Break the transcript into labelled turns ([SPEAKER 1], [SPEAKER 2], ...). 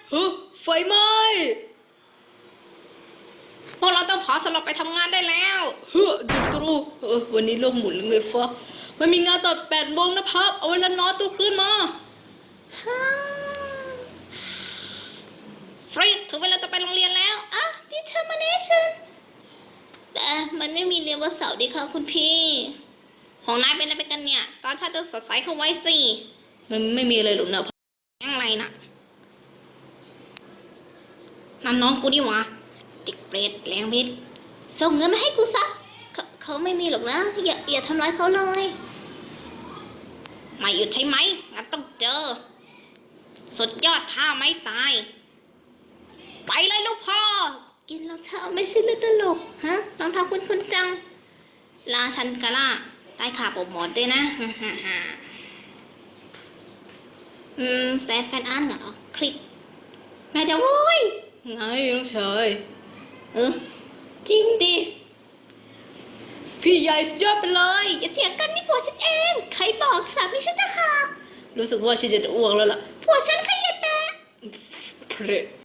[SPEAKER 1] เฮ้ยไฟไหม้พวกเราต้องเผาสำหรับไปทำงานได้แล้วเฮ้ยจุดตรูวันนี้โลกหมุนเลยฟ้ามันมีงานตอน8 โมงนะครับเอาเวลานอนตัวขึ้นมาฟรีถึงเวลาจะไปโรงเรียนแล้วอ่ะ determination แต่มันไม่มีเรียนวันเสาร์ดีค่ะคุณพี่ของนายเป็นอะไรไปกันเนี่ยตอนเช้าจะสดใสเข้าไว้สิมันไม่มีอะไรหรอกนะยังไงนะนั่นน้องกูดิวะติกเปรตแรงพิษส่งเงินมาให้กูซะเขาไม่มีหรอกนะอย่าทำร้ายเขาเลยไม่หยุดใช่ไหมงั้นต้องเจอสุดยอดท่าไม้ตายไปเลยลูกพ่อกินรองเท้าไม่ใช่เรื่องตลกฮะรองเท้าคุณจังลาชันกะล่าใต้ขาโปรโมทด้วยนะแฟนอันเหรอคลิกแม่จะโว้ยไงน้องชายจริงดิพี่ใหญ่สุดยอดไปเลยอย่าเถียงกันนี่ผัวฉันเองใครบอกสามีฉันจะหักรู้สึกว่าฉันจะอ้วกแล้วล่ะผัวฉันขยันแบะ